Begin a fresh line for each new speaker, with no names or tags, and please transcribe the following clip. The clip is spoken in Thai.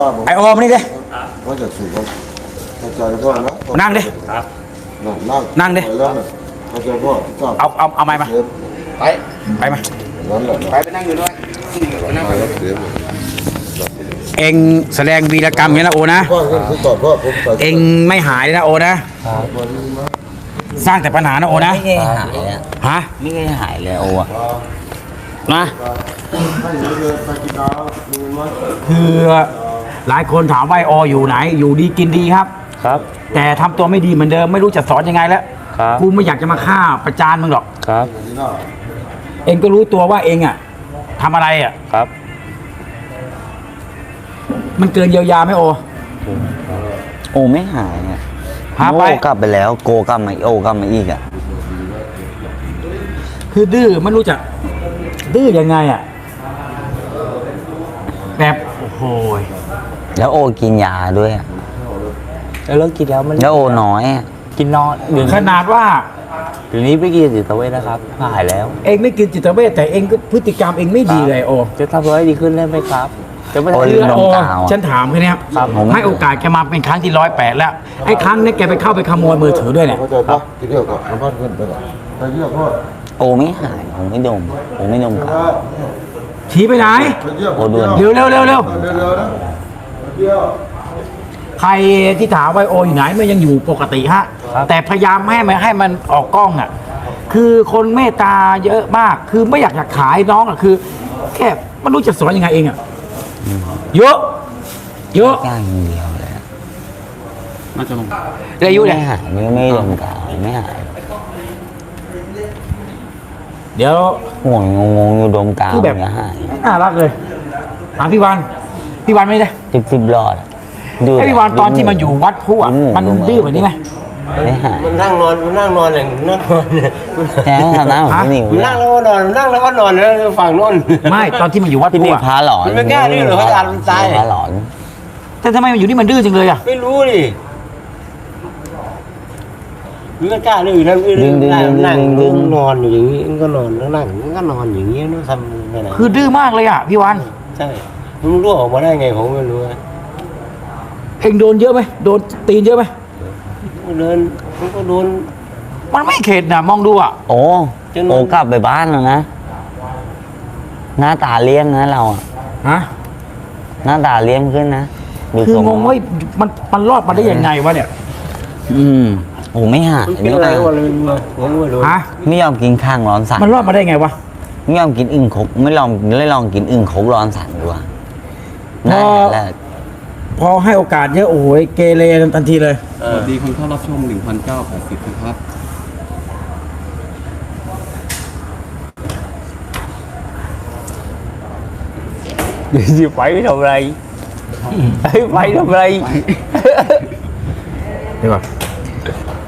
ไอโอมนี่ดิ
ก็จะสูงเข้าใจพ่อนะ
นั่งดิ นั่งดิ
เข้าใจพ่อ
เอาไม้มา ไปมา
ไปนั่งอยู่ด้วยนั่งไป
เองแสดงวีรกรรมอย่างนี้นะโอนะ
พ่อคือตอบพ่อผม
เองไม่หายเลยนะโอนะ สร้างแต่ปัญหานะโอนะ
ไม่เคยหายอ่ะ
ฮะ
ไม่เคยหายเลยโอ้อะ
นะคือหลายคนถามว่าไอโออยู่ไหน อยู่ดีกินดีครับ
ครับ
แต่ทำตัวไม่ดีเหมือนเดิมไม่รู้จะสอนยังไงแล้ว
ครับ
กูไม่อยากจะมาฆ่าประจานมึงหรอก
ครับ
เองก็รู้ตัวว่าเองอ่ะทำอะไรอ่ะ
ครับ
มันเกินเยียวยาไหมโอ
โอ้ไม่หายอ่ะ
หาไป
โอ้กลับไปแล้วโกกลับมาโอกลับมาอีกอ่ะ
คือดื้อไม่รู้จะดื้อยังไงอ่ะแบบโอ้โห
แล้วโอกินยาด้วยอ่ะ
แล้วเลิกกินแล้วมัน
แล้วโอน้อยอ่ะ
กินนอนเดี๋ยว
ขนาดว่า
เดี๋ยวนี้ไปกินจิตเวชนะครับหายแล้ว
เองไม่กินจิตเวชแต่เองก็พฤติกรรมเองไม่ดีเลยโอ
จะทำตัวให้ดีขึ้นได้ไหมครับ จะไม่
โอ้
ทำ
ลื
คือ
ม
โอ
ดมกาวอะ
ฉันถามแค่เนี้ย
ครับผม
ให้โอกาสแกมาเป็นครั้งที่108แล้วไอ้ครั้งนี้แกไปเข้าไปขโมยมือถือด้วยเนี่ย
เข้าใจพ่อที่เรียกก่อนพ่อขึ้นไปก่อนไปเรียกพ่อ
โอไม่หายผมไม่ดมผมไม่ดมกาว
ชี้ไปไหน
ไปเรียก
โอด่วน
เร็วเร็วเร็วเร็ว
เร็วนะเดียว
ใครที่ถามว่าโออยู่ไหนมันยังอยู่ปกติฮะแต่พยายามให้มันออกกล้องอ่ะคือคนเมตตาเยอะมากคือไม่อยากจะขายน้องอ่ะคือแค่ไม่รู้จะสอนยังไงเองอ่ะเยอะเยอะ
ย่างอย่างเดียวเลยอะ
อายุเนี่ย
ไม่หายไม่ดมกาวไม่หาย
เดี๋ยว
ห่วงงงๆอยู่ดมกาว
คือแบบ
เนี่ยหาย
น่ารักเลยถามพี่วันไม่ได้
สิบหลอดอะดู
ไอ้พี่วันตอนที่มันอยู่วัดผู้อ่ะมันดื้อแบบนี้ไหม
ไม่หาย
มันนั่งนอนอย่างนั่งนอนเนี่ย
แต่ทำหน้าของพี่หนิว
มันนั่งแล้วก็นอนนั่งแล้วก็นอนแล้วฝั่งโน้น
ไม่ตอนที่มันอยู่วัด
พี่หนิ
ผู้
ว
อ่ะ
พาหลอน
มันไม่กล้าดื้อหรอกเขาจะอ่านมันตาย
พาหลอน
แต่ทำไมมันอยู่นี่มันดื้อจังเลยอ่ะ
ไม่รู้ดิมันไม่กล้าดื้อนั่งนั่งนอนอยู่อย่างนี้มันก็นอนนั่งมันก็นอนอย่างนี้มันทำไปไหน
คือดื้อมากเลยอ่ะพี่วัน
ใช่มันรู้ออกมาได้ไงผมไม่รู้
เองโดนเยอะไหมโดนตีนเยอะไหม
เดินมันก็โดน
มันไม่เข็ดนะมองดูอ่ะ
โอ้โอ้กลับไปบ้านแล้วนะ หน้าตาเลี้ยงนะเราอะ
ฮะ
หน้าตาเลี้ยงขึ้นนะดู
คือ
ทรง
งงว่ามันรอดมาได้ยังไงวะเนี่ย
โอ้ไม่หาย
มันเป็นอะไรวะเลยผมไม่รู้
ฮะ
ไม่ยอมกินข้างร้อนสัน
มันรอดมาได้ไงวะ
ไม่ยอมกินอึ่งคกไม่ลองกินอึ่งคกร้อนสันดูว่าน่าแรก
พอให้โอกาสเยอะโอ้โหเกเรทันทีเลย
สวัสดีคนเข้ารับชม 1,980 นะครับ
เดี๋ยวสิไปทำอะไรไปทำอะไร
เดี๋ยวก่อน